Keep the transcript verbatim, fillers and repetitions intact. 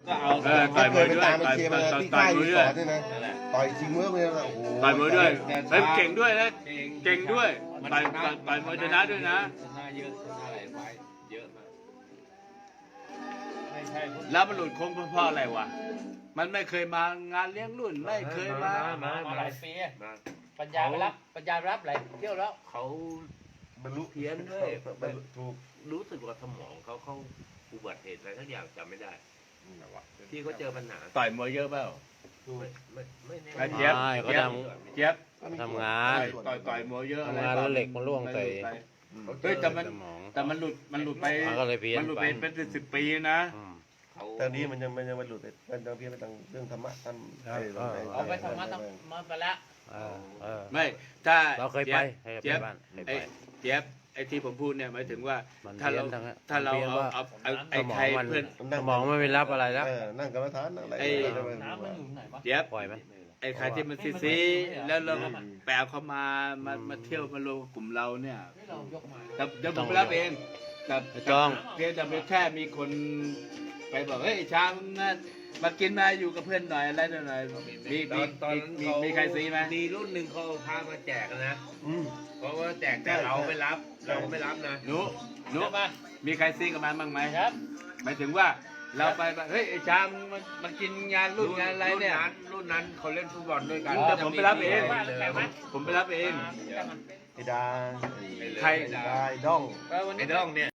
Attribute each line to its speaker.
Speaker 1: ก็เอา
Speaker 2: เออต่อยมวยด้วย
Speaker 3: ตามไป
Speaker 2: ต่อย
Speaker 3: เชียร์มา
Speaker 2: ต่อย
Speaker 3: ที่
Speaker 2: ต่อ
Speaker 3: ค่าย ย
Speaker 2: มวย
Speaker 3: รี
Speaker 2: ด้
Speaker 3: ส
Speaker 2: วย
Speaker 3: อร์ทเนี่ยนะต่อยชิงเมื่อเลยนะโอ้โห
Speaker 2: ต่อยมวยด้วยเฮ้ยเก่งด้วยนะ
Speaker 1: เก่ง
Speaker 2: เก่งด้วยต่อยต่อยต่อยมวยชนะด้วยนะ
Speaker 1: ชนะเยอะชนะหลายไฟต์เยอะมากไม่ใช่พวก
Speaker 2: แล้วมันหลุดโค้งเพราะอะไรวะมันไม่เคยมางานเลี้ยงรุ่นไม่เคยมา
Speaker 1: มามาหลายปีอะ
Speaker 4: มา
Speaker 1: ปัญญาไปรับปัญญารับหลายเที่ยวแล้ว
Speaker 4: เขา
Speaker 3: บรรลุ
Speaker 4: เพี้ยนด้วย
Speaker 3: บรรลุถูก
Speaker 4: รู้สึกว่าสมองเขาเขาอุบัติเหตุอะไรทั้งอย่างจำไม่ได้ ที่เขาเจอปัญหา
Speaker 2: ต่อยมวยเยอะเปล่า
Speaker 4: ไม่ไม่ไม่แน่
Speaker 2: ไอ้เจี๊ยบ
Speaker 5: ไม่เขา
Speaker 2: เจี๊ยบ
Speaker 5: ท
Speaker 2: เจี๊ยบ
Speaker 5: ทำงาน
Speaker 2: ต่อยต่อยมวยเยอะอะไร
Speaker 5: ทำงานแล้วเหล็กมันร่วงใส่
Speaker 2: เฮ้ยแต่มัน
Speaker 5: สมอง
Speaker 2: แต่มันหลุดมันหลุดไป
Speaker 5: มันก็เลยเพี้ยน
Speaker 2: มันหลุด
Speaker 5: ไป
Speaker 2: ไปเป็นสิบสิบปีนะ
Speaker 5: อืม
Speaker 4: เขา
Speaker 3: แต่นี้มันยังมันยังบรรลุแต่มันยังเพี้ยนไปทางเรื่องธรรมะทำ
Speaker 5: ครับ
Speaker 1: เอาไปธรรมะธรรมะไปแล้ว
Speaker 5: เออเออ
Speaker 2: ไม่ถ้า
Speaker 5: เราเคยไปเคยไป
Speaker 2: เจี๊ยบ
Speaker 5: บ้านเคย
Speaker 2: ไอ้
Speaker 5: ไป
Speaker 2: เจี๊ยบไอ้ที่ผมพูดเนี่ยหมายถึงว่า
Speaker 5: มัน
Speaker 2: ถ้าเรา
Speaker 5: เพี้ยนทั้งนั้น
Speaker 2: ถ้าเรา
Speaker 5: มันเพี้ยน
Speaker 2: เอา
Speaker 5: ว่า
Speaker 2: เอาเอาไอ้
Speaker 5: สมอ
Speaker 2: ใครง
Speaker 5: มัน
Speaker 2: เพื่อน
Speaker 5: สมองมันไม่รับอะไรแล้ว
Speaker 3: เออนั่งกรรมฐานนั่งอะไร
Speaker 2: ไอ้
Speaker 1: น้ำมันอยู่ไหนวะ
Speaker 2: เจี๊ยบ
Speaker 5: ปล่อยไหม
Speaker 2: ไอ้ใครที่มันซีซีแล้วเราแปลเขามามามาเที่ยวมารวมกับกลุ่มเราเนี่ย
Speaker 1: ที่เรายกมา
Speaker 2: แต่เดี๋ยวผมไปรับเองแต่
Speaker 5: ไม่ต้อง
Speaker 2: เพียงแต่แค่มีคนไปบอกเฮ้ยไอ้ช้างนะมากินมาอยู่กับเพื่อนหน่อยอะไรหน่อยมี
Speaker 4: ต
Speaker 2: มี
Speaker 4: อนตอนนั้น
Speaker 2: มี
Speaker 4: เขา
Speaker 2: มีใครซีไหม
Speaker 4: มีรุ่นหนึ่งเขาเอาพามาแจกนะ
Speaker 3: อืม
Speaker 4: เพราะว่าแจกแต่เราไม่รับเราไม่รับนะ
Speaker 2: หนูหนู
Speaker 1: ใช่ปะ
Speaker 2: มีใครซีกับมันบ้างไหม
Speaker 1: ครับ
Speaker 2: หมายถึงว่าเราไปแบบเฮ้ยไอ้ช้างมันมันกินงานรุ่นงานอะไรเนี่ย
Speaker 4: รุ่นนั้นรุ่นนั้นเขาเล่นฟุตบอลด้วยกัน
Speaker 2: เดี๋ยวผมไปรับเอง
Speaker 4: เลย
Speaker 2: ผมไปรับเอง
Speaker 3: ไอ้ดา
Speaker 2: ใคร
Speaker 3: ไอ้ดาไอ้ด้อง
Speaker 1: เออวัน
Speaker 4: ไอ้
Speaker 1: นี้
Speaker 4: ด้องเนี่ย